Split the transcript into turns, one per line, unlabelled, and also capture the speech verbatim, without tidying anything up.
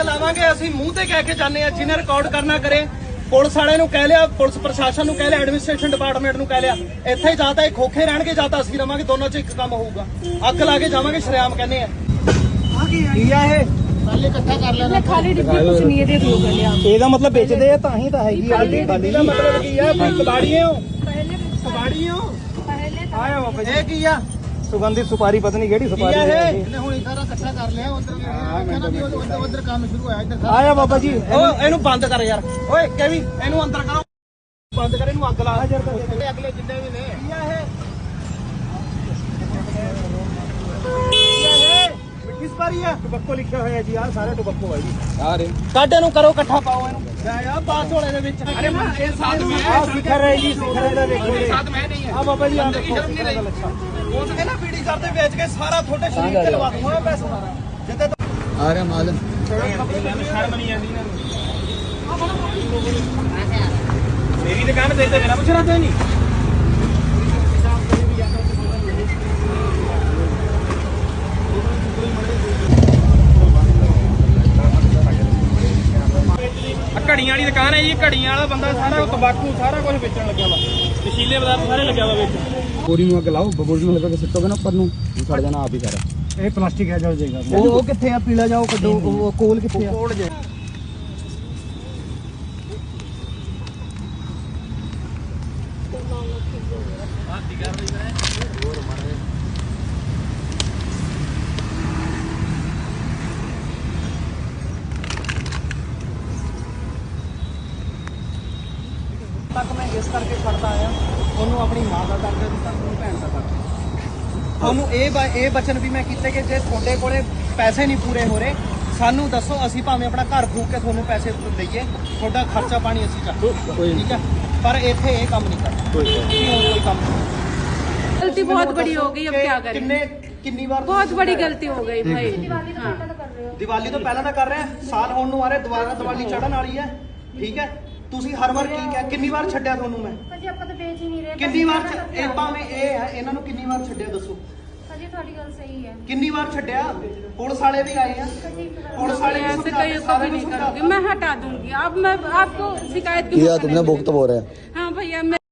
ਲਾਵਾਂਗੇ ਅਸੀਂ ਮੂੰਹ ਤੇ ਕਹਿ ਕੇ ਜਾਂਦੇ ਆ ਜਿਹਨੇ ਰਿਕਾਰਡ ਕਰਨਾ ਕਰੇ। ਪੁਲਿਸ ਵਾਲੇ ਨੂੰ ਕਹਿ ਲਿਆ, ਪੁਲਿਸ ਪ੍ਰਸ਼ਾਸਨ ਨੂੰ ਕਹਿ ਲਿਆ, ਐਡਮਿਨਿਸਟ੍ਰੇਸ਼ਨ ਡਿਪਾਰਟਮੈਂਟ ਨੂੰ ਕਹਿ ਲਿਆ। ਇੱਥੇ ਹੀ ਜਾਂ ਤਾਂ ਇਹ ਖੋਖੇ ਰਹਿਣਗੇ ਜਾਂ ਤਾਂ ਅਸੀਂ ਰਵਾਂਗੇ, ਦੋਨੋਂ ਚ ਇੱਕ ਕੰਮ ਹੋਊਗਾ। ਅੱਗ ਲਾ ਕੇ ਜਾਵਾਂਗੇ ਸ਼ਰੇਆਮ ਕਹਿੰਦੇ ਆ। ਕੀ ਆ ਇਹ ਪਹਿਲੇ ਇਕੱਠਾ ਕਰ ਲੈਣਾ, ਖਾਲੀ ਡਿੱਬੀ ਕੁਛ ਨਹੀਂ ਇਹਦੇ ਦੋ ਗੱਲਿਆ। ਇਹਦਾ ਮਤਲਬ ਵੇਚਦੇ ਆ ਤਾਂ ਹੀ ਤਾਂ ਹੈਗੀ ਆ। ਡਿੱਬੀ ਦਾ ਮਤਲਬ ਕੀ ਆ? ਕਬਾੜੀਏ ਹੋ, ਕਬਾੜੀਏ ਹੋ। ਆਇਆ ਬਾਬਾ ਇਹ ਕੀ ਆ? ਸੁਗੰਧਿਤ ਸੁਪਾਰੀ, ਪਤਾ ਨਹੀਂ ਕਿਹੜੀ ਸੁਪਾਰੀ ਹੈ ਇਹ। ਹੁਣ ਸਾਰਾ ਇਕੱਠਾ ਕਰ ਲਿਆ, ਉਧਰ ਉਧਰ ਉਧਰ ਕੰਮ ਸ਼ੁਰੂ ਹੋਇਆ। ਇੱਧਰ ਆਇਆ ਬਾਬਾ ਜੀ। ਓਏ ਇਹਨੂੰ ਬੰਦ ਕਰ ਯਾਰ। ਓਏ ਕੈਵੀ ਇਹਨੂੰ ਅੰਦਰ ਕਰੋ, ਬੰਦ ਕਰ ਇਹਨੂੰ। ਅੱਗ ਲਾ ਅਗਲੇ ਜਿੰਨੇ ਵੀ ਨੇ। ਕੀ ਆ ਇਹ? ਮਿੱਠੀ ਸੁਪਾਰੀ ਆ, ਟੁਬੱਕੋ ਲਿਖਿਆ ਹੋਇਆ ਜੀ। ਆ ਸਾਰੇ ਟੁਬੱਕੋ ਆ ਜੀ ਸਾਰੇ। ਕੱਢ ਇਹਨੂੰ, ਕਰੋ ਇਕੱਠਾ, ਪਾਓ ਇਹਨੂੰ। ਆ ਪਾਸ ਹੋਲੇ ਦੇ ਵਿੱਚ। ਅਰੇ ਮੈਂ ਇਹ ਸਾਥ ਮੈਂ ਆ ਸਿਖਰ ਰਹੀ ਜੀ, ਸਿਖਰ ਇਹਦਾ ਦੇਖੋ ਜੀ। ਸਾਥ ਮੈਂ ਨਹੀਂ ਹੈ। ਆ ਬਾਬਾ ਜੀ ਆ ਦੇਖੋ ਅੱਛਾ। ਉਹ ਤੇ ਨਾ ਪੀੜੀ ਕਰਦੇ ਵੇਚ ਕੇ ਸਾਰਾ ਤੁਹਾਡੇ ਸ਼ਰੀਰ ਤੇ ਲਵਾ ਦੂੰਗਾ ਪੈਸਾ ਜਿੱਤੇ ਆ ਰਿਹਾ ਮਾਲ। ਸ਼ਰਮ ਨਹੀਂ ਆਉਂਦੀ ਇਹਨਾਂ ਨੂੰ। ਮੇਰੀ ਦੁਕਾਨ ਤੇ ਮੇਰਾ ਪੁੱਛਣਾ ਤੇ ਨਹੀਂ। ਘੜੀਆਂ ਵਾਲੀ ਦੁਕਾਨ ਹੈ ਜੀ। ਘੜੀਆਂ ਵਾਲਾ ਬੰਦਾ ਸਾਰਾ ਤੰਬਾਕੂ ਸਾਰਾ ਕੁਝ ਵੇਚਣ ਲੱਗਿਆ ਵਾ, ਨਸ਼ੀਲੇ ਪਦਾਰਥ ਸਾਰੇ ਲੱਗਿਆ ਵਾ ਵਿੱਚ। ਬੋਰੀ ਨੂੰ ਅੱਗ ਲਾਓ, ਬੋਰੀ ਨੂੰ ਲਗਾ ਕੇ ਸਿੱਟੋਗੇ ਨਾ ਉੱਪਰ ਨੂੰ, ਸੜ ਜਾਣਾ ਆਪ ਹੀ ਸਾਰਾ। ਇਹ ਪਲਾਸਟਿਕ ਹੈ ਜਲ ਜਾਏਗਾ। ਉਹ ਉਹ ਕਿੱਥੇ ਆ? ਪੀਲਾ ਜਾਓ ਕੱਢੋ। ਉਹ ਕੋਲ ਕਿੱਥੇ ਆ? ਕੋਲ ਜੇ ਤੱਕ ਮੈਂ ਇਸ ਕਰਕੇ ਛੱਡਦਾ ਆਇਆ। ਉਹਨੂੰ ਆਪਣੀ ਮਾਂ ਦਾ ਦਰਦ ਦਿੱਤਾ, ਉਹਨੂੰ ਭੈਣ ਦਾ ਦਰਦ। ਉਹਨੂੰ ਇਹ ਇਹ ਬਚਨ ਵੀ ਮੈਂ ਕੀਤੇ ਕਿ ਜੇ ਤੁਹਾਡੇ ਕੋਲੇ ਪੈਸੇ ਨਹੀਂ ਪੂਰੇ ਹੋ ਰਹੇ, ਸਾਨੂੰ ਦੱਸੋ, ਅਸੀਂ ਭਾਵੇਂ ਆਪਣਾ ਘਰ ਫੂਕ ਕੇ ਤੁਹਾਨੂੰ ਪੈਸੇ ਦਈਏ, ਤੁਹਾਡਾ ਖਰਚਾ ਪਾਣੀ ਅਸੀਂ ਚੱਕ, ਠੀਕ ਹੈ। ਪਰ ਇੱਥੇ ਇਹ ਕੰਮ ਨਹੀਂ ਕਰਨਾ, ਕੋਈ ਕੰਮ ਨਹੀਂ।
गलती बहुत बड़ी हो गई, अब क्या करें?
किन्ने किन्नी बार
बहुत बड़ी गलती हो गई भाई।
ਦੀਵਾਲੀ ਤੋਂ ਪਹਿਲਾਂ ਤਾਂ ਕਰ ਰਹੇ ਆ, ਸਾਲ ਹੋਣ ਨੂੰ ਆ ਰਿਹਾ, ਦੁਬਾਰਾ ਦੀਵਾਲੀ ਚੜ੍ਹਨ ਵਾਲੀ ਹੈ, ਠੀਕ ਹੈ। ਤੁਸੀਂ ਹਰ ਵਾਰ ਕੀ ਕਿਹਾ? ਕਿੰਨੀ ਵਾਰ ਛੱਡਿਆ ਤੁਹਾਨੂੰ ਮੈਂ?
ਭਾਜੀ ਆਪਾਂ ਤਾਂ ਵੇਚ ਹੀ ਨਹੀਂ ਰਹੇ।
ਕਿੰਨੀ ਵਾਰ ਇਹ ਭਾਵੇਂ ਇਹ ਹੈ, ਇਹਨਾਂ ਨੂੰ ਕਿੰਨੀ ਵਾਰ ਛੱਡਿਆ ਦੱਸੋ?
ਭਾਜੀ ਤੁਹਾਡੀ ਗੱਲ ਸਹੀ ਹੈ।
ਕਿੰਨੀ ਵਾਰ ਛੱਡਿਆ? ਪੁਲਿਸ ਵਾਲੇ भी आए हैं, पुलिस वाले
ऐसे कहीं कभी नहीं करूँगी, मैं हटा दूंगी। अब मैं आपको शिकायत की
तुमने भुगत हो रहा है।
हाँ भैया।